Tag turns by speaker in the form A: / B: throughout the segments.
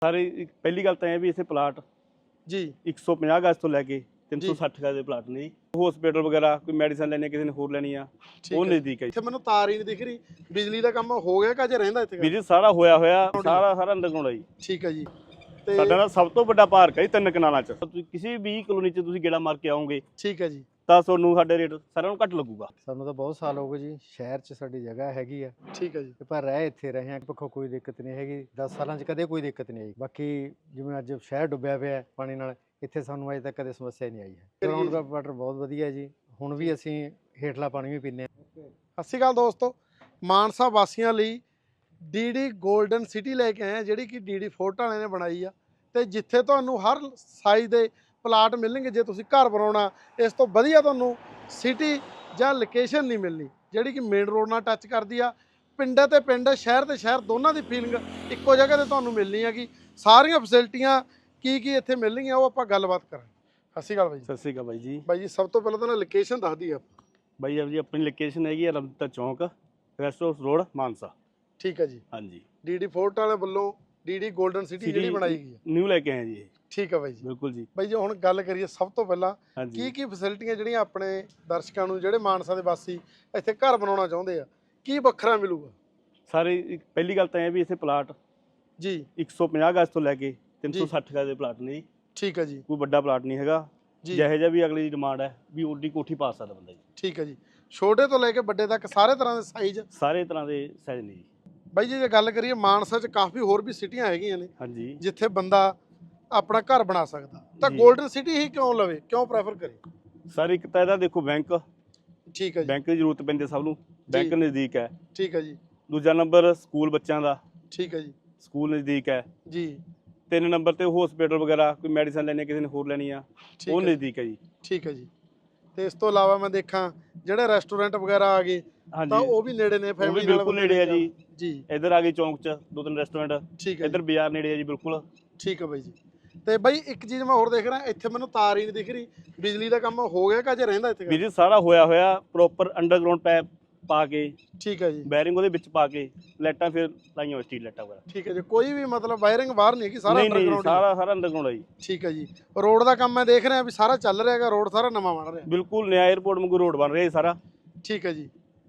A: ਸਾਰੇ ਪਹਿਲੀ ਗੱਲ ਤਾਂ ਇਹ ਵੀ ਇਥੇ ਪਲਾਟ
B: जी
A: 150 ਗਜ਼ ਤੋਂ ਲੈ ਕੇ 360 ਗਜ਼ ਦੇ ਪਲਾਟ ਨੇ ਜੀ। ਹਸਪੀਟਲ ਵਗੈਰਾ ਕੋਈ ਮੈਡੀਸਨ ਲੈਣੀ ਕਿਸੇ ਨੇ ਹੋਰ ਲੈਣੀ ਆ ਉਹ ਨਜ਼ਦੀਕ ਹੈ ਜੀ।
B: ਇੱਥੇ ਮੈਨੂੰ ਤਾਰ ਹੀ ਨਹੀਂ ਦਿਖ ਰਹੀ, ਬਿਜਲੀ ਦਾ ਕੰਮ ਹੋ ਗਿਆ ਕਿ ਅਜੇ ਰਹਿੰਦਾ ਇੱਥੇ?
A: ਵੀਰ ਜੀ ਸਾਰਾ ਹੋਇਆ ਸਾਰਾ ਅੰਡਰਗਰਾਉਂਡ ਹੈ ਜੀ।
B: ਠੀਕ ਹੈ ਜੀ। ਤੇ
A: ਸਾਡਾ ਨਾ ਸਭ ਤੋਂ ਵੱਡਾ ਪਾਰਕ ਹੈ ਜੀ 3 ਕਨਾਲਾਂ 'ਚ। ਤੁਸੀਂ ਕਿਸੇ ਵੀ ਕਲੋਨੀ 'ਚ ਤੁਸੀਂ ਗੇੜਾ ਮਾਰ ਕੇ ਆਓਗੇ
B: ਠੀਕ ਹੈ ਜੀ,
A: ਤਾਂ ਤੁਹਾਨੂੰ ਸਾਡੇ ਰੇਟ ਸਾਰਿਆਂ ਨੂੰ ਘੱਟ ਲੱਗੂਗਾ।
C: ਸਾਨੂੰ ਤਾਂ ਬਹੁਤ ਸਾਲ ਹੋ ਗਏ ਜੀ, ਸ਼ਹਿਰ 'ਚ ਸਾਡੀ ਜਗ੍ਹਾ ਹੈਗੀ ਆ,
B: ਠੀਕ ਹੈ ਜੀ।
C: ਤੇ ਪਰ ਰਹਿ ਇੱਥੇ ਰਹੇ ਆ, ਪੱਖੋਂ ਕੋਈ ਦਿੱਕਤ ਨਹੀਂ ਹੈਗੀ। 10 ਸਾਲਾਂ 'ਚ ਕਦੇ ਕੋਈ ਦਿੱਕਤ ਨਹੀਂ ਆਈ। ਬਾਕੀ ਜਿਵੇਂ ਅੱਜ ਸ਼ਹਿਰ ਡੁੱਬਿਆ ਪਿਆ ਹੈ ਪਾਣੀ ਨਾਲ, ਇੱਥੇ ਸਾਨੂੰ ਅਜੇ ਤੱਕ ਕਦੇ ਸਮੱਸਿਆ ਨਹੀਂ ਆਈ ਹੈ। ਗਰਾਊਂਡ ਦਾ ਵਾਟਰ ਬਹੁਤ ਵਧੀਆ ਜੀ। ਹੁਣ ਵੀ ਅਸੀਂ ਹੇਠਲਾ ਪਾਣੀ ਵੀ ਪੀਂਦੇ ਹਾਂ।
B: ਸਤਿ ਸ਼੍ਰੀ ਅਕਾਲ ਦੋਸਤੋ, ਮਾਨਸਾ ਵਾਸੀਆਂ ਲਈ ਡੀਡੀ ਗੋਲਡਨ ਸਿਟੀ ਲੈ ਕੇ ਆਏ ਆ, ਜਿਹੜੀ ਕਿ ਡੀਡੀ ਫੋਰਟ ਵਾਲਿਆਂ ਨੇ ਬਣਾਈ ਆ, ਤੇ ਜਿੱਥੇ ਤੁਹਾਨੂੰ ਹਰ ਸਾਈਜ਼ ਦੇ ਪਲਾਟ ਮਿਲਣਗੇ। ਜੇ ਤੁਸੀਂ ਘਰ ਬਣਾਉਣਾ, ਇਸ ਤੋਂ ਵਧੀਆ ਤੁਹਾਨੂੰ ਸਿਟੀ ਜਾਂ ਲੋਕੇਸ਼ਨ ਨਹੀਂ ਮਿਲਣੀ, ਜਿਹੜੀ ਕਿ ਮੇਨ ਰੋਡ ਨਾਲ ਟੱਚ ਕਰਦੀ ਆ। ਪਿੰਡ ਤੇ ਪਿੰਡ, ਸ਼ਹਿਰ ਤੇ ਸ਼ਹਿਰ, ਦੋਨਾਂ ਦੀ ਫੀਲਿੰਗ ਇੱਕੋ ਜਗ੍ਹਾ ਤੇ ਤੁਹਾਨੂੰ ਮਿਲਣੀ ਹੈਗੀ। ਸਾਰੀਆਂ ਫੈਸਿਲਿਟੀਆਂ ਕੀ ਇੱਥੇ ਮਿਲਣਗੀਆਂ ਉਹ ਆਪਾਂ ਗੱਲਬਾਤ ਕਰਾਂਗੇ। ਸਤਿ ਸ਼੍ਰੀ ਅਕਾਲ ਬਾਈ ਜੀ।
A: ਸਤਿ ਸ਼੍ਰੀ ਅਕਾਲ ਬਾਈ ਜੀ।
B: ਬਾਈ ਜੀ ਸਭ ਤੋਂ ਪਹਿਲਾਂ ਤਾਂ ਨਾ ਲੋਕੇਸ਼ਨ ਦੱਸ ਦਈਏ ਆਪਾਂ।
A: ਬਾਈ ਜੀ ਆਪਣੀ ਲੋਕੇਸ਼ਨ ਹੈਗੀ ਆ ਰਮਤਾ ਚੌਂਕ, ਰੈਸਟ ਹਾਊਸ ਰੋਡ, ਮਾਨਸਾ।
B: ਠੀਕ ਹੈ ਜੀ।
A: ਹਾਂਜੀ,
B: ਡੀਡੀ ਫੋਰਟ ਵਾਲਿਆਂ ਵੱਲੋਂ ਡੀਡੀ ਗੋਲਡਨ ਸਿਟੀ ਜਿਹੜੀ ਬਣਾਈ ਗਈ ਹੈ,
A: ਨਿਊ ਲੈ ਕੇ ਆਏ ਜੀ ਇਹ।
B: ਠੀਕ ਹੈ ਬਾਈ ਜੀ।
A: ਬਿਲਕੁਲ ਜੀ।
B: ਬਾਈ ਜੀ ਹੁਣ ਗੱਲ ਕਰੀਏ ਸਭ ਤੋਂ ਪਹਿਲਾਂ
A: ਹਾਂਜੀ,
B: ਕੀ ਫੈਸਿਲਿਟੀਆਂ ਜਿਹੜੀਆਂ ਆਪਣੇ ਦਰਸ਼ਕਾਂ ਨੂੰ, ਜਿਹੜੇ ਮਾਨਸਾ ਦੇ ਵਾਸੀ ਇੱਥੇ ਘਰ ਬਣਾਉਣਾ ਚਾਹੁੰਦੇ ਆ, ਕੀ ਵੱਖਰਾ ਮਿਲੂਗਾ?
A: ਸਾਰੇ ਪਹਿਲੀ ਗੱਲ ਤਾਂ ਇਹ ਵੀ ਇਥੇ ਪਲਾਟ
B: ਜੀ
A: 150 ਗਜ਼ ਤੋਂ ਲੈ ਕੇ 360 ਗਜ਼ ਦੇ ਪਲਾਟ ਨੇ ਜੀ।
B: ਠੀਕ ਹੈ ਜੀ।
A: ਕੋਈ ਵੱਡਾ ਪਲਾਟ ਨਹੀਂ ਹੈਗਾ
B: ਜੀ
A: ਜਿਹੋ ਜਿਹਾ ਵੀ ਅਗਲੀ ਦੀ ਡਿਮਾਂਡ ਹੈ ਵੀ ਓਡੀ ਕੋਠੀ ਪਾ ਸਕਦਾ ਬੰਦਾ ਜੀ।
B: ਠੀਕ ਹੈ ਜੀ। ਛੋਟੇ ਤੋਂ ਲੈ ਕੇ ਵੱਡੇ ਤੱਕ ਸਾਰੇ ਤਰ੍ਹਾਂ ਦੇ ਸਾਈਜ਼।
A: ਸਾਰੇ ਤਰ੍ਹਾਂ ਦੇ ਸਾਈਜ਼ ਨੇ ਜੀ।
B: ਬਾਈ ਜੀ ਜੇ ਗੱਲ ਕਰੀਏ, ਮਾਨਸਾ 'ਚ ਕਾਫੀ ਹੋਰ ਵੀ ਸਿਟੀਆਂ ਹੈਗੀਆਂ ਨੇ
A: ਹਾਂਜੀ,
B: ਜਿੱਥੇ ਬੰਦਾ ਆਪਣਾ ਘਰ ਬਣਾ ਸਕਦਾ, ਤਾਂ
A: ਜੀ।
B: ਗੋਲਡਨ ਸਿਟੀ ਹੀ ਕਿਉਂ ਲਵੇ, ਕਿਉਂ ਪ੍ਰੈਫਰ ਕਰੇ?
A: ਸਰ ਇੱਕ ਤਾਂ ਇਹਦਾ ਦੇਖੋ ਬੈਂਕ
B: ਠੀਕ ਹੈ ਜੀ।
A: ਬੈਂਕ ਦੀ ਜ਼ਰੂਰਤ ਪੈਂਦੀ ਸਭ ਨੂੰ, ਬੈਂਕ ਨਜ਼ਦੀਕ ਹੈ।
B: ਠੀਕ ਹੈ ਜੀ।
A: ਦੂਜਾ ਨੰਬਰ ਸਕੂਲ ਬੱਚਿਆਂ ਦਾ,
B: ਠੀਕ ਹੈ ਜੀ।
A: ਸਕੂਲ ਨਜ਼ਦੀਕ ਹੈ।
B: ਜੀ
A: 3 ਨੰਬਰ ਤੇ ਹਸਪੀਟਲ ਵਗੈਰਾ ਕੋਈ ਮੈਡੀਸਨ ਲੈਣੀ ਕਿਸੇ ਨੇ ਹੋਰ ਲੈਣੀ ਆ
B: ਠੀਕ
A: ਉਹ
B: ਹੈ।
A: ਨਜ਼ਦੀਕ ਹੈ ਜੀ।
B: ਠੀਕ ਹੈ ਜੀ। ਤੇ ਇਸ ਤੋਂ ਇਲਾਵਾ ਮੈਂ ਦੇਖਾਂ ਜਿਹੜੇ ਰੈਸਟੋਰੈਂਟ ਵਗੈਰਾ ਆ ਗਏ ਤਾਂ
A: ਹਾਂਜੀ,
B: ਉਹ ਵੀ ਨੇੜੇ ਨੇ,
A: ਉਹ ਵੀ
B: ਫੈਮਿਲੀ ਨਾਲ
A: ਬਿਲਕੁਲ ਨੇੜੇ ਆ ਜੀ।
B: ਜੀ
A: ਇੱਧਰ ਆ ਗਏ ਚੌਂਕ 'ਚ 2-3 ਰੈਸਟੋਰੈਂਟ,
B: ਠੀਕ ਹੈ
A: ਇੱਧਰ
B: ਜੀ।
A: ਬਾਜ਼ਾਰ ਨੇੜੇ ਆ ਜੀ ਬਿਲਕੁਲ।
B: ਠੀਕ ਹੈ ਬਾਈ ਜੀ। ਤੇ ਬਾਈ ਇੱਕ ਚੀਜ਼ ਮੈਂ ਹੋਰ ਦੇਖ ਰਿਹਾ, ਇੱਥੇ ਮੈਨੂੰ ਤਾਰ ਹੀ ਨਹੀਂ ਦਿਖ ਰਹੀ, ਬਿਜਲੀ ਦਾ ਕੰਮ ਹੋ ਗਿਆ ਕਿ ਅਜੇ ਰਹਿੰਦਾ ਇੱਥੇ?
A: ਵੀਰ ਜੀ ਸਾਰਾ ਹੋਇਆ ਪ੍ਰੋਪਰ ਅੰਡਰਗਰਾਉਂਡ ਪੈਪ ਪਾ ਕੇ,
B: ਠੀਕ ਹੈ ਜੀ।
A: ਬੈਰਿੰਗ ਉਹਦੇ ਵਿੱਚ ਪਾ ਕੇ, ਲਾਈਟਾਂ ਫਿਰ ਲਾਈਆਂ ਹੋਈਆਂ ਸਟਰੀਟ ਲਾਈਟਾਂ ਵਗੈਰਾ।
B: ਠੀਕ ਹੈ ਜੀ। ਕੋਈ ਵੀ ਮਤਲਬ ਵਾਇਰਿੰਗ ਬਾਹਰ ਨਹੀਂ ਹੈਗੀ, ਸਾਰਾ
A: ਨਹੀਂ
B: ਅੰਡਰਗਰਾਉਂਡ?
A: ਸਾਰਾ ਅੰਡਰਗਰਾਉਂਡ ਹੈ ਜੀ।
B: ਠੀਕ ਹੈ ਜੀ। ਰੋਡ ਦਾ ਕੰਮ ਮੈਂ ਦੇਖ ਰਿਹਾ ਵੀ ਸਾਰਾ ਚੱਲ ਰਿਹਾ ਹੈਗਾ, ਰੋਡ ਸਾਰਾ ਨਵਾਂ ਬਣ ਰਿਹਾ।
A: ਬਿਲਕੁਲ ਨਿਆ 에ਅਰਪੋਰਟ ਵਾਂਗੂ ਰੋਡ ਬਣ ਰਿਹਾ ਜੀ ਸਾਰਾ।
B: ਠੀਕ ਹੈ ਜੀ।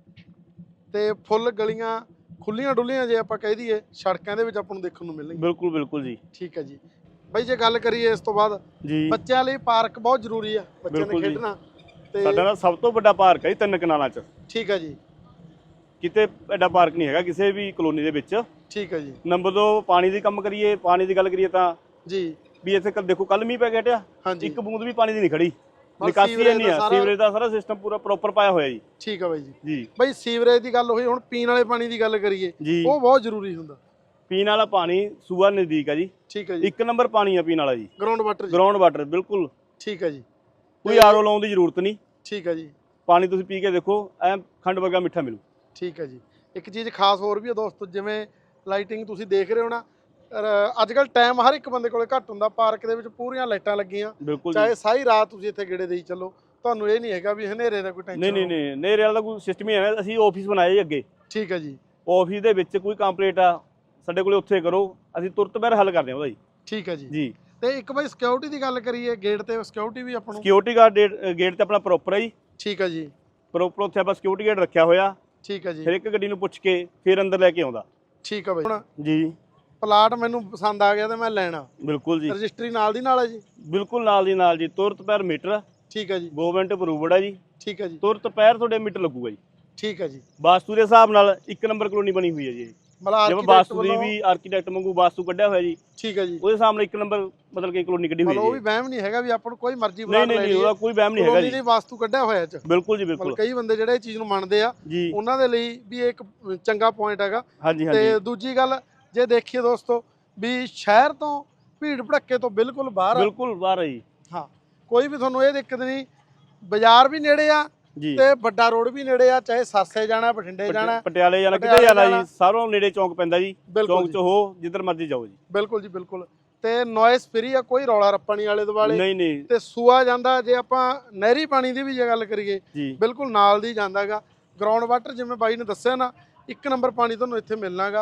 B: ਤੇ ਫੁੱਲ ਗਲੀਆਂ ਖੁੱਲੀਆਂ ਡੁੱਲੀਆਂ ਜੇ ਆਪਾਂ ਕਹਿ ਦਈਏ, ਸੜਕਾਂ ਦੇ ਵਿੱਚ ਆਪਾਂ ਨੂੰ ਦੇਖਣ ਨੂੰ ਮਿਲਣਗੀਆਂ।
A: ਬਿਲਕੁਲ ਜੀ।
B: ਠੀਕ ਹੈ ਜੀ। ਬਾਈ ਜੇ ਗੱਲ ਕਰੀਏ ਇਸ ਤੋਂ ਬਾਅਦ,
A: ਜੀ
B: ਬੱਚਿਆਂ ਲਈ ਪਾਰਕ ਬਹੁਤ ਜ਼ਰੂਰੀ ਆ, ਬੱਚਿਆਂ ਨੇ
A: ਬਿਲਕੁਲ ਜੀ।
B: ਖੇਡਣਾ। ਤੇ
A: ਸਾਡਾ ਨਾ ਸਭ ਤੋਂ ਵੱਡਾ ਪਾਰਕ ਹੈ ਜੀ 3 ਕਨਾਲਾਂ 'ਚ।
B: ਠੀਕ ਹੈ ਜੀ।
A: ਕਿਤੇ ਐਡਾ ਪਾਰਕ ਨਹੀਂ ਹੈਗਾ ਕਿਸੇ ਵੀ ਕਲੋਨੀ ਦੇ ਵਿੱਚ।
B: ਠੀਕ ਹੈ ਜੀ।
A: ਨੰਬਰ 2 ਪਾਣੀ ਦੀ ਕੰਮ ਕਰੀਏ, ਪਾਣੀ ਦੀ ਗੱਲ ਕਰੀਏ ਤਾਂ
B: ਜੀ
A: ਵੀ ਇੱਥੇ ਦੇਖੋ ਕੱਲ ਮੀਂਹ ਪੈ ਗਿਆ ਹਟਿਆ,
B: ਹਾਂਜੀ।
A: ਇੱਕ ਬੂੰਦ ਵੀ ਪਾਣੀ ਦੀ ਨਹੀਂ ਖੜੀ।
B: ਬਸ
A: ਨਿਕਾਸੀ
B: ਸੀਵਰੇਜ
A: ਨਹੀਂ
B: ਦਾ
A: ਆ,
B: ਸਾਰਾ-
A: ਸੀਵਰੇਜ ਦਾ ਸਾਰਾ ਸਿਸਟਮ ਪੂਰਾ ਪ੍ਰੋਪਰ ਪਾਇਆ ਹੋਇਆ ਜੀ।
B: ਠੀਕ ਹੈ ਬਾਈ ਜੀ।
A: ਜੀ
B: ਬਾਈ ਸੀਵਰੇਜ ਦੀ ਗੱਲ ਹੋਈ, ਹੁਣ ਪੀਣ ਵਾਲੇ ਪਾਣੀ ਦੀ ਗੱਲ ਕਰੀਏ,
A: ਜੀ
B: ਉਹ ਬਹੁਤ ਜ਼ਰੂਰੀ ਹੁੰਦਾ।
A: ਪੀਣ ਵਾਲਾ ਪਾਣੀ ਸੂਆ ਨਜ਼ਦੀਕ ਆ ਜੀ।
B: ਠੀਕ ਹੈ ਜੀ।
A: 1 ਨੰਬਰ ਪਾਣੀ ਆ ਪੀਣ ਵਾਲਾ ਜੀ,
B: ਗਰਾਊਂਡ ਵਾਟਰ ਜੀ।
A: ਗਰਾਊਂਡ ਵਾਟਰ ਬਿਲਕੁਲ।
B: ਠੀਕ ਹੈ ਜੀ।
A: ਕੋਈ ਆਰਓ ਲਾਉਣ ਦੀ ਜ਼ਰੂਰਤ ਨਹੀਂ।
B: ਠੀਕ ਹੈ ਜੀ।
A: ਪਾਣੀ ਤੁਸੀਂ ਪੀ ਕੇ ਦੇਖੋ, ਐ ਖੰਡ ਵਰਗਾ ਮਿੱਠਾ ਮਿਲੂ।
B: ਠੀਕ ਹੈ ਜੀ। ਇੱਕ ਚੀਜ਼ ਖਾਸ ਹੋਰ ਵੀ ਹੈ ਦੋਸਤੋ, ਜਿਵੇਂ ਲਾਈਟਿੰਗ ਤੁਸੀਂ ਦੇਖ ਰਹੇ ਹੋ ਨਾ, ਅੱਜ ਕੱਲ ਟਾਈਮ ਹਰ ਇੱਕ ਬੰਦੇ ਕੋਲੇ ਘੱਟ ਹੁੰਦਾ। ਪਾਰਕ ਦੇ ਵਿੱਚ ਪੂਰੀਆਂ ਲਾਈਟਾਂ ਲੱਗੀਆਂ,
A: ਬਿਲਕੁਲ
B: ਚਾਹੇ
A: ਜੀ।
B: ਸਾਰੀ ਰਾਤ ਤੁਸੀਂ ਇੱਥੇ ਗੇੜੇ ਦੇਈ ਚੱਲੋ, ਤੁਹਾਨੂੰ ਇਹ ਨਹੀਂ ਹੈਗਾ ਵੀ ਹਨੇਰੇ ਦਾ ਕੋਈ ਟੈਨਸ਼ਨ।
A: ਨਹੀਂ ਨੇਰੇ ਵਾਲਾ ਦਾ ਕੋਈ ਸਿਸਟਮ ਹੀ ਹੈ। ਅਸੀਂ ਆਫਿਸ ਬਣਾਏ ਜੀ ਅੱਗੇ।
B: ਠੀਕ ਹੈ ਜੀ।
A: ਆਫਿਸ ਦੇ ਵਿੱਚ ਕੋਈ ਕੰਪਲੇਂਟ ਆ ਸਾਡੇ ਕੋਲੇ, ਉੱਥੇ ਕਰੋ, ਅਸੀਂ ਤੁਰਤ ਬਾਹਰ ਹੱਲ ਕਰਦੇ ਹਾਂ ਉਹਦਾ ਜੀ।
B: ਠੀਕ ਹੈ ਜੀ।
A: ਜੀ
B: ਤੇ ਇੱਕ ਬਾਈ ਸਿਕਿਉਰਿਟੀ ਦੀ ਗੱਲ ਕਰੀਏ, ਗੇਟ ਤੇ ਸਿਕਿਉਰਿਟੀ ਵੀ ਆਪਾਂ ਨੂੰ?
A: ਸਿਕਿਉਰਿਟੀ ਗਾਰਡ ਗੇਟ ਤੇ ਆਪਣਾ ਪ੍ਰੋਪਰ ਹੈ ਜੀ।
B: ਠੀਕ ਹੈ ਜੀ।
A: ਪ੍ਰੋਪਰ ਉੱਥੇ ਆਪਾਂ ਸਿਕਿਉਰਿਟੀ ਗਾਰਡ ਰੱਖਿਆ ਹੋਇਆ।
B: ਠੀਕ ਹੈ ਜੀ।
A: ਫਿਰ ਇੱਕ ਗੱਡੀ ਨੂੰ ਪੁੱਛ ਕੇ ਫਿਰ ਅੰਦਰ ਲੈ ਕੇ ਆਉਂਦਾ।
B: ਠੀਕ ਹੈ ਬਾਈ। ਹੁਣ
A: ਜੀ
B: ਪਲਾਟ ਮੈਨੂੰ ਪਸੰਦ ਆ ਗਿਆ ਤੇ ਮੈਂ ਲੈਣਾ,
A: ਬਿਲਕੁਲ ਜੀ।
B: ਰਜਿਸਟਰੀ ਨਾਲ ਦੀ ਨਾਲ ਹੈ ਜੀ?
A: ਬਿਲਕੁਲ ਨਾਲ ਦੀ ਨਾਲ ਜੀ, ਤੁਰਤ ਪੈਰ ਮੀਟਰ।
B: ਠੀਕ ਹੈ ਜੀ।
A: ਗਵਰਨਮੈਂਟ ਅਪਰੂਵਡ ਹੈ ਜੀ।
B: ਠੀਕ ਹੈ ਜੀ।
A: ਤੁਰਤ ਪੈਰ ਤੁਹਾਡੇ ਮੀਟਰ ਲੱਗੂਗਾ ਜੀ।
B: ਠੀਕ ਹੈ ਜੀ।
A: ਵਾਸਤੂ ਦੇ ਹਿਸਾਬ ਨਾਲ 1 ਨੰਬਰ ਕਲੋਨੀ ਬਣੀ ਹੋਈ ਹੈ ਜੀ।
B: ਮਤਲਬ
A: ਜਿਵੇਂ ਵਾਸਤੂ ਦੀ ਵੀ ਆਰਕੀਟੈਕਟ ਵਾਂਗੂ ਵਾਸਤੂ ਕੱਢਿਆ ਹੋਇਆ ਜੀ।
B: ਠੀਕ ਹੈ ਜੀ।
A: ਉਹਦੇ ਹਿਸਾਬ ਨਾਲ 1 ਨੰਬਰ ਮਤਲਬ ਕਿ ਕਲੋਨੀ ਕੱਢੀ ਹੋਈ ਹੈ
B: ਉਹ ਵੀ ਵਹਿਮ ਨਹੀਂ ਹੈਗਾ ਵੀ ਆਪਾਂ ਨੂੰ ਕੋਈ ਮਰਜ਼ੀ ਬਣਾ
A: ਨਹੀਂ ਉਹਦਾ ਕੋਈ ਵਹਿਮ ਨਹੀਂ ਹੈਗਾ ਜੀ।
B: ਕਲੋਨੀ ਦੀ ਵਾਸਤੂ ਕੱਢਿਆ ਹੋਇਆ ਚ।
A: ਬਿਲਕੁਲ ਜੀ ਬਿਲਕੁਲ।
B: ਕਈ ਬੰਦੇ ਜਿਹੜੇ ਇਹ ਚੀਜ਼ ਨੂੰ ਮੰਨਦੇ ਆ,
A: ਜੀ
B: ਉਹਨਾਂ ਦੇ ਲਈ ਵੀ ਇਹ ਇੱਕ ਚੰਗਾ ਪੁਆਇੰਟ ਹੈਗਾ।
A: ਹਾਂਜੀ
B: ਤੇ ਦੂਜੀ ਗੱਲ ਜੇ ਦੇਖੀਏ ਦੋਸਤੋ, ਵੀ ਸ਼ਹਿਰ ਤੋਂ ਭੀੜ ਭੜੱਕੇ ਤੋਂ ਬਿਲਕੁਲ ਬਾਹਰ
A: ਹੈ ਜੀ।
B: ਹਾਂ, ਕੋਈ ਵੀ ਤੁਹਾਨੂੰ ਇਹ ਦਿੱਕਤ ਨਹੀਂ, ਬਾਜ਼ਾਰ ਵੀ ਨੇੜੇ ਆ
A: ਜੀ
B: ਤੇ ਵੱਡਾ ਰੋਡ ਵੀ ਨੇੜੇ ਆ, ਚਾਹੇ ਸਾਸੇ ਜਾਣਾ, ਬਠਿੰਡੇ ਜਾਣਾ,
A: ਪਟਿਆਲੇ ਜਾਣਾ, ਕਿਤੇ ਜਾਣਾ ਜੀ, ਸਾਰੋਂ ਨੇੜੇ ਚੌਂਕ ਪੈਂਦਾ ਜੀ। ਚੌਂਕ ਚ ਹੋ ਜਿੱਧਰ ਮਰਜ਼ੀ ਜਾਓ ਜੀ।
B: ਬਿਲਕੁਲ ਜੀ ਬਿਲਕੁਲ। ਤੇ ਨੋਇਸ ਫ੍ਰੀ ਆ, ਕੋਈ ਰੌਲਾ ਰੱਪਾ ਨਹੀਂ ਆਲੇ ਦੁਆਲੇ।
A: ਨਹੀਂ
B: ਤੇ ਸੂਆ ਜਾਂਦਾ, ਜੇ ਆਪਾਂ ਨਹਿਰੀ ਪਾਣੀ ਦੀ ਵੀ ਜੇ ਗੱਲ ਕਰੀਏ,
A: ਜੀ
B: ਬਿਲਕੁਲ ਨਾਲ ਦੀ ਜਾਂਦਾਗਾ। ਗਰਾਊਂਡ ਵਾਟਰ ਜਿਵੇਂ ਬਾਈ ਨੇ ਦੱਸਿਆ ਨਾ, 1 ਨੰਬਰ ਪਾਣੀ ਤੁਹਾਨੂੰ ਇੱਥੇ ਮਿਲਣਾਗਾ।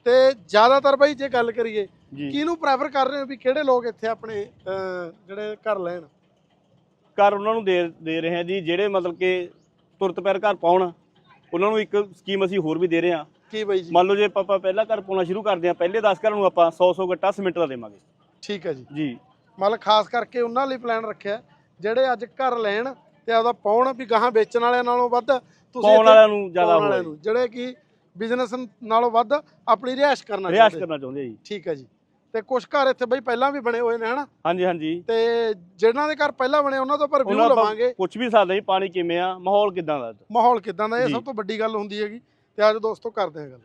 B: ਤੇ ਜ਼ਿਆਦਾਤਰ ਬਾਈ ਜੇ ਗੱਲ ਕਰੀਏ
A: ਜੀ
B: ਕਿਹਨੂੰ ਪ੍ਰੈਫਰ ਕਰ ਰਹੇ ਹੋ ਵੀ ਕਿਹੜੇ ਲੋਕ ਇੱਥੇ ਆਪਣੇ ਜਿਹੜੇ ਘਰ ਲੈਣ?
A: ਘਰ ਉਹਨਾਂ ਨੂੰ ਦੇ ਰਹੇ ਹਾਂ ਜੀ, ਜਿਹੜੇ ਮਤਲਬ ਕਿ ਤੁਰਤ ਪੈਰ ਘਰ ਪਾਉਣ। ਉਹਨਾਂ ਨੂੰ ਇੱਕ ਸਕੀਮ ਅਸੀਂ ਹੋਰ ਵੀ ਦੇ ਰਹੇ ਹਾਂ।
B: ਕੀ ਬਾਈ ਜੀ?
A: ਮੰਨ ਲਓ ਜੇ ਆਪਾਂ ਪਹਿਲਾ ਘਰ ਪਾਉਣਾ ਸ਼ੁਰੂ ਕਰਦੇ ਹਾਂ, ਪਹਿਲੇ 10 ਘਰਾਂ ਨੂੰ ਆਪਾਂ 100 ਗੱਟਾ ਸੀਮੈਂਟ ਦਾ ਦੇਵਾਂਗੇ।
B: ਠੀਕ ਹੈ ਜੀ।
A: ਜੀ
B: ਮਤਲਬ ਖਾਸ ਕਰਕੇ ਉਹਨਾਂ ਲਈ ਪਲਾਨ ਰੱਖਿਆ ਜਿਹੜੇ ਅੱਜ ਘਰ ਲੈਣ ਤੇ ਆਪਦਾ ਪਾਉਣ, ਵੀ ਗਾਹਾਂ ਵੇਚਣ ਵਾਲਿਆਂ ਨਾਲੋਂ ਵੱਧ ਤੁਸੀਂ
A: ਪਾਉਣ
B: ਇੱਥੇ
A: ਵਾਲਿਆਂ ਨੂੰ ਜ਼ਿਆਦਾ
B: ਪਾਉਣ ਵਾਲਿਆਂ
A: ਹੋਇਆ
B: ਨੂੰ, ਜਿਹੜੇ ਕਿ ਬਿਜ਼ਨਸ ਨਾਲੋਂ ਵੱਧ ਆਪਣੀ ਰਿਹਾਇਸ਼ ਕਰਨਾ
A: ਰਿਹਾਇਸ਼
B: ਚਾਹੁੰਦੇ।
A: ਕਰਨਾ ਚਾਹੁੰਦੇ ਆ ਜੀ।
B: ਠੀਕ ਹੈ ਜੀ। ਤੇ ਕੁਝ ਘਰ ਇੱਥੇ ਬਈ ਪਹਿਲਾਂ ਵੀ ਬਣੇ ਹੋਏ ਨੇ ਹਨਾ,
A: ਹਾਂਜੀ ਹਾਂਜੀ,
B: ਤੇ ਜਿਹਨਾਂ ਦੇ ਘਰ ਪਹਿਲਾਂ ਬਣੇ ਉਹਨਾਂ ਤੋਂ ਪਰ ਰਿਵਿਊ
A: ਉਹਨਾਂ
B: ਲਵਾਂਗੇ।
A: ਪੁੱਛ ਵੀ ਸਕਦੇ ਜੀ ਪਾਣੀ ਕਿਵੇਂ ਆ, ਮਾਹੌਲ ਕਿਦਾਂ ਦਾ।
B: ਮਾਹੌਲ ਕਿਦਾਂ ਦਾ, ਇਹ
A: ਜੀ।
B: ਸਭ ਤੋਂ ਵੱਡੀ ਗੱਲ ਹੁੰਦੀ ਹੈਗੀ। ਤੇ ਅੱਜ ਦੋਸਤੋ ਕਰਦੇ ਹਾਂ ਗੱਲ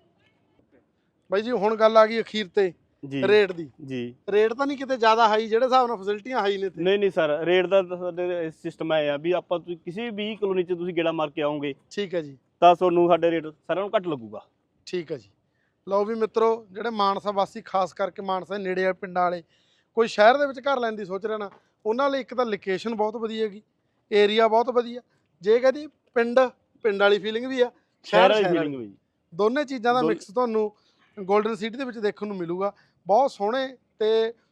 B: ਬਾਈ ਜੀ। ਹੁਣ ਗੱਲ ਆ ਗਈ ਅਖੀਰ ਤੇ
A: ਜੀ
B: ਰੇਟ ਦੀ।
A: ਜੀ
B: ਰੇਟ ਤਾਂ ਨਹੀਂ ਕਿਤੇ ਜ਼ਿਆਦਾ ਹਾਈ ਜਿਹੜੇ ਹਿਸਾਬ ਨਾਲ ਫੈਸਿਲਿਟੀਆਂ ਹਾਈ ਨੇ ਇੱਥੇ?
A: ਨਹੀਂ ਨਹੀਂ ਸਰ, ਰੇਟ ਦਾ ਤਾਂ ਸਾਡੇ ਸਿਸਟਮ ਹੈ ਆ ਵੀ ਆਪਾਂ ਤੁਸੀਂ ਕਿਸੇ ਵੀ ਕਲੋਨੀ 'ਚ ਤੁਸੀਂ ਗੇੜਾ ਮਾਰ ਕੇ ਆਓਗੇ
B: ਠੀਕ ਹੈ ਜੀ।
A: ਤਾਂ ਤੁਹਾਨੂੰ ਸਾਡੇ ਰੇਟ ਸਾਰਿਆਂ ਨੂੰ ਘੱਟ ਲੱਗੂਗਾ।
B: ਠੀਕ ਹੈ ਜੀ। ਲਓ ਵੀ ਮਿੱਤਰੋ, ਜਿਹੜੇ ਮਾਨਸਾ ਵਾਸੀ, ਖਾਸ ਕਰਕੇ ਮਾਨਸਾ ਦੇ ਨੇੜੇ ਵਾਲੇ ਪਿੰਡਾਂ ਵਾਲੇ, ਕੋਈ ਸ਼ਹਿਰ ਦੇ ਵਿੱਚ ਘਰ ਲੈਣ ਦੀ ਸੋਚ ਰਹੇ ਨਾ, ਉਹਨਾਂ ਲਈ ਇੱਕ ਤਾਂ ਲੋਕੇਸ਼ਨ ਬਹੁਤ ਵਧੀਆ ਹੈਗੀ, ਏਰੀਆ ਬਹੁਤ ਵਧੀਆ। ਜੇ ਕਹਦੀ ਪਿੰਡ ਵਾਲੀ ਫੀਲਿੰਗ ਵੀ ਆ,
A: ਸ਼ਹਿਰ ਵਾਲੀ
B: ਵਾਲੀ।
A: ਫੀਲਿੰਗ ਵੀ
B: ਦੋਨੇ ਚੀਜ਼ਾਂ ਦਾ ਮਿਕਸ ਤੁਹਾਨੂੰ ਗੋਲਡਨ ਸਿਟੀ ਦੇ ਵਿੱਚ ਦੇਖਣ ਨੂੰ ਮਿਲੂਗਾ। ਬਹੁਤ ਸੋਹਣੇ ਤੇ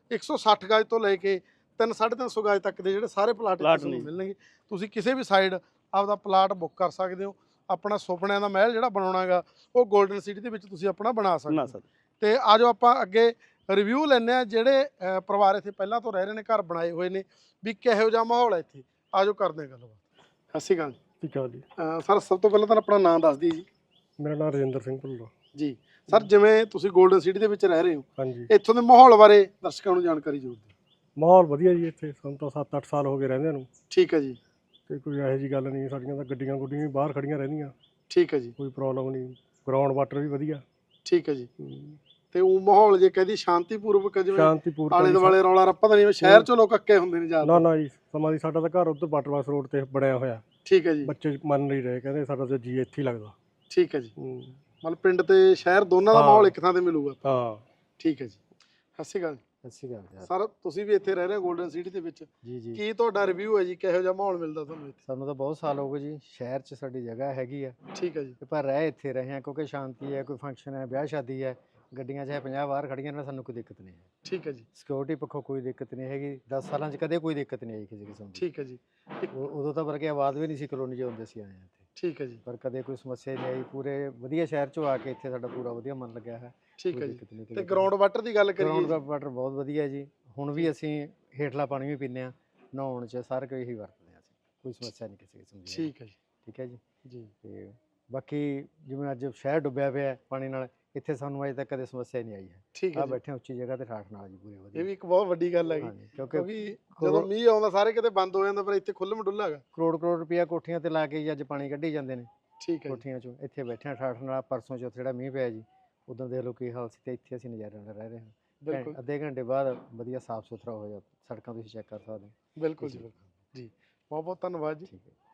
B: 160 ਗਜ ਤੋਂ ਲੈ ਕੇ 3-350 ਗਜ ਤੱਕ ਦੇ ਜਿਹੜੇ ਸਾਰੇ ਪਲਾਟ ਤੁਹਾਨੂੰ ਮਿਲਣਗੇ। ਤੁਸੀਂ ਕਿਸੇ ਵੀ ਸਾਈਡ ਆਪਦਾ ਪਲਾਟ ਬੁੱਕ ਕਰ ਸਕਦੇ ਹੋ। ਆਪਣਾ ਸੁਪਨਿਆਂ ਦਾ ਮਹਿਲ ਜਿਹੜਾ ਬਣਾਉਣਾਗਾ ਉਹ ਗੋਲਡਨ ਸਿਟੀ ਦੇ ਵਿੱਚ ਤੁਸੀਂ ਆਪਣਾ ਬਣਾ ਸਕਦੇ ਹੋ। ਤੇ ਆਜੋ ਆਪਾਂ ਅੱਗੇ ਰਿਵਿਊ ਲੈਂਦੇ ਆ ਜਿਹੜੇ ਪਰਿਵਾਰ ਇੱਥੇ ਪਹਿਲਾਂ ਤੋਂ ਰਹਿ ਰਹੇ ਨੇ, ਘਰ ਬਣਾਏ ਹੋਏ ਨੇ, ਵੀ ਕਿਹੋ ਜਿਹਾ ਮਾਹੌਲ ਹੈ ਇੱਥੇ। ਆਜੋ ਕਰਦੇ ਹਾਂ ਗੱਲਬਾਤ। ਸਤਿ ਸ਼੍ਰੀ ਅਕਾਲ।
C: ਠੀਕ ਹੈ ਜੀ।
B: ਸਰ ਸਭ ਤੋਂ ਪਹਿਲਾਂ ਤਾਂ ਆਪਣਾ ਨਾਮ ਦੱਸ ਦਿਓ ਜੀ।
C: ਮੇਰਾ ਨਾਮ ਰਜਿੰਦਰ ਸਿੰਘ ਭੁੱਲਰ
B: ਜੀ ਸਰ, ਜਿਵੇਂ ਤੁਸੀਂ ਗੋਲਡਨ ਸਿਟੀ ਦੇ ਵਿੱਚ ਰਹਿ ਰਹੇ ਹੋ,
C: ਹਾਂਜੀ,
B: ਇੱਥੋਂ ਦੇ ਮਾਹੌਲ ਬਾਰੇ ਦਰਸ਼ਕਾਂ ਨੂੰ ਜਾਣਕਾਰੀ ਜ਼ਰੂਰ ਦਿਓ।
C: ਮਾਹੌਲ ਵਧੀਆ ਜੀ। ਇੱਥੇ ਸਾਨੂੰ ਤਾਂ 7-8 ਸਾਲ ਹੋ ਗਏ ਰਹਿੰਦੇ ਨੂੰ,
B: ਠੀਕ ਹੈ ਜੀ।
C: ਤੇ ਕੋਈ ਇਹੋ ਜਿਹੀ ਗੱਲ ਨਹੀਂ। ਸਾਡੀਆਂ ਤਾਂ ਗੱਡੀਆਂ ਵੀ ਬਾਹਰ ਖੜੀਆਂ ਰਹਿੰਦੀਆਂ,
B: ਠੀਕ ਹੈ ਜੀ।
C: ਕੋਈ ਪ੍ਰੋਬਲਮ ਨਹੀਂ। ਗਰਾਊਂਡ ਵਾਟਰ ਵੀ ਵਧੀਆ।
B: ਠੀਕ ਹੈ ਜੀ। ਤੇ ਉਹ ਮਾਹੌਲ ਜੇ ਕਹਦੀ ਸ਼ਾਂਤੀਪੂਰਵਕ, ਜਿਵੇਂ
C: ਸ਼ਾਂਤੀਪੂਰਵਕ,
B: ਆਲੇ ਦੁਆਲੇ ਰੌਲਾ ਰੱਪਾ ਤਾਂ ਨਹੀਂ, ਸ਼ਹਿਰ ਚੋਂ ਲੋਕ ਅੱਕੇ ਹੁੰਦੇ ਨੇ ਜ਼ਿਆਦਾ?
C: ਨਾ ਜੀ, ਸਮਾਂ ਦੀ ਸਾਡਾ ਤਾਂ ਘਰ ਉੱਧਰ ਵਾਟਰਵਾਸ ਰੋਡ ਤੇ ਬਣਿਆ ਹੋਇਆ।
B: ਠੀਕ ਹੈ ਜੀ।
C: ਬੱਚੇ ਮੰਨ ਨਹੀਂ ਰਹੇ, ਕਹਿੰਦੇ ਸਾਡਾ ਤਾਂ ਜੀ ਇੱਥੇ ਹੀ ਲੱਗਦਾ।
B: ਠੀਕ ਹੈ ਜੀ। ਮਤਲਬ ਪਿੰਡ ਤੇ ਸ਼ਹਿਰ ਦੋਨਾਂ ਦਾ ਮਾਹੌਲ ਇੱਕ ਥਾਂ ਤੇ ਮਿਲੂਗਾ।
C: ਹਾਂ
B: ਠੀਕ ਹੈ ਜੀ। ਸਤਿ ਸ਼੍ਰੀ ਅਕਾਲ।
C: ਸਤਿ ਸ਼੍ਰੀ ਅਕਾਲ
B: ਸਰ, ਤੁਸੀਂ ਵੀ ਇੱਥੇ ਰਹਿ ਰਹੇ ਹੋ ਗੋਲਡਨ ਸਿਟੀ ਦੇ ਵਿੱਚ,
C: ਜੀ ਜੀ।
B: ਕੀ ਤੁਹਾਡਾ ਰਿਵਿਊ ਹੈ ਜੀ? ਕਿਹੋ ਜਿਹਾ ਮਾਹੌਲ ਮਿਲਦਾ ਤੁਹਾਨੂੰ ਇੱਥੇ?
C: ਸਾਨੂੰ ਤਾਂ ਬਹੁਤ ਸਾਲ ਹੋ ਗਏ ਜੀ, ਸ਼ਹਿਰ 'ਚ ਸਾਡੀ ਜਗ੍ਹਾ ਹੈਗੀ ਆ।
B: ਠੀਕ ਹੈ ਜੀ।
C: ਤੇ ਪਰ ਰਹਿ ਇੱਥੇ ਰਹੇ ਹਾਂ ਕਿਉਂਕਿ ਸ਼ਾਂਤੀ ਹੈ। ਕੋਈ ਫੰਕਸ਼ਨ ਹੈ, ਵਿਆਹ ਸ਼ਾਦੀ ਹੈ, ਗੱਡੀਆਂ ਚਾਹੇ 50 ਬਾਹਰ ਖੜੀਆਂ ਨੇ, ਸਾਨੂੰ ਕੋਈ ਦਿੱਕਤ ਨਹੀਂ ਹੈ।
B: ਠੀਕ ਹੈ ਜੀ।
C: ਸਿਕਿਉਰਿਟੀ ਪੱਖੋਂ ਕੋਈ ਦਿੱਕਤ ਨਹੀਂ ਹੈਗੀ। 10 ਸਾਲਾਂ 'ਚ ਕਦੇ ਕੋਈ ਦਿੱਕਤ ਨਹੀਂ ਆਈ ਕਿਸੇ ਕਿਸਮ ਦੀ।
B: ਠੀਕ ਹੈ ਜੀ।
C: ਉਦੋਂ ਤਾਂ ਵਰਗੇ ਆਬਾਦ ਵੀ ਨਹੀਂ ਸੀ ਕਲੋਨੀ 'ਚ ਹੁੰਦੇ ਸੀ, ਆਏ ਹਾਂ ਇੱਥੇ।
B: ਠੀਕ ਹੈ ਜੀ।
C: ਪਰ ਕਦੇ ਕੋਈ ਸਮੱਸਿਆ ਨਹੀਂ ਆਈ। ਪੂਰੇ ਵਧੀਆ ਸ਼ਹਿਰ 'ਚੋਂ ਆ ਕੇ ਇੱਥੇ ਸਾਡਾ ਪੂਰਾ ਵਧੀਆ ਮਨ ਲੱਗਿਆ ਹੈ।
B: ਠੀਕ ਹੈ ਜੀ। ਤੇ ਗਰਾਊਂਡ ਵਾਟਰ ਦੀ ਗੱਲ ਕਰੀਏ?
C: ਗਰਾਊਂਡ ਵਾਟਰ ਬਹੁਤ ਵਧੀਆ ਜੀ। ਹੁਣ ਵੀ ਅਸੀਂ ਹੇਠਲਾ ਪਾਣੀ ਵੀ ਪੀਂਦੇ ਹਾਂ, ਨਹਾਉਣ 'ਚ ਸਾਰਾ ਕੁਝ ਇਹੀ ਵਰਤਦੇ ਹਾਂ ਅਸੀਂ। ਕੋਈ ਸਮੱਸਿਆ ਨਹੀਂ ਕਿਸੇ ਕਿਸਮ ਦੀ।
B: ਠੀਕ ਹੈ ਜੀ।
C: ਠੀਕ ਹੈ ਜੀ।
B: ਜੀ।
C: ਤੇ ਬਾਕੀ ਜਿਵੇਂ ਅੱਜ ਸ਼ਹਿਰ ਡੁੱਬਿਆ ਪਿਆ ਪਾਣੀ ਨਾਲ, ਇੱਥੇ ਸਾਨੂੰ ਅਜੇ ਤੱਕ ਕਦੇ ਸਮੱਸਿਆ ਨਹੀਂ ਆਈ ਹੈ।
B: ਠੀਕ ਹੈ
C: ਆ
B: ਜੀ।
C: ਬੈਠੇ ਉੱਚੀ ਜਗ੍ਹਾ ਤੇ ਠਾਠ ਨਾਲ ਜੀ, ਪੂਰੇ ਵਧੀਆ।
B: ਇਹ ਵੀ ਇੱਕ ਬਹੁਤ ਵੱਡੀ ਗੱਲ ਹੈਗੀ, ਕਿਉਂਕਿ ਜਦੋਂ ਮੀਂਹ ਆਉਂਦਾ ਸਾਰੇ ਕਿਤੇ ਬੰਦ ਹੋ ਜਾਂਦਾ, ਪਰ ਇੱਥੇ ਖੁੱਲ੍ਹ ਮਡੁੱਲਾ ਹੈਗਾ।
C: ਕਰੋੜ ਰੁਪਇਆ ਕੋਠੀਆਂ ਤੇ ਲਾ ਕੇ ਅੱਜ ਪਾਣੀ ਕੱਢੀ ਜਾਂਦੇ ਨੇ।
B: ਠੀਕ ਹੈ।
C: ਕੋਠੀਆਂ 'ਚੋਂ ਇੱਥੇ ਬੈਠੇ ਠਾਠ ਨਾਲ। ਪਰਸੋਂ ਚੌਥੇ ਜਿਹੜਾ ਮੀਂਹ ਪਿਆ ਜੀ, ਉਦੋਂ ਦੇਖ ਲਓ ਕੀ ਹਾਲ ਸੀ, ਤੇ ਇੱਥੇ ਅਸੀਂ ਨਜ਼ਾਰੇ ਨਾਲ ਰਹਿ ਰਹੇ ਹਾਂ।
B: ਬਿਲਕੁਲ।
C: ਅੱਧੇ ਘੰਟੇ ਬਾਅਦ ਵਧੀਆ ਸਾਫ਼ ਸੁਥਰਾ ਹੋ ਜਾ, ਸੜਕਾਂ ਤੁਸੀਂ ਚੈੱਕ ਕਰ ਸਕਦੇ ਹੋ।
B: ਬਿਲਕੁਲ ਜੀ, ਬਿਲਕੁਲ ਜੀ। ਬਹੁਤ ਬਹੁਤ ਧੰਨਵਾਦ ਜੀ।
C: ਠੀਕ ਹੈ।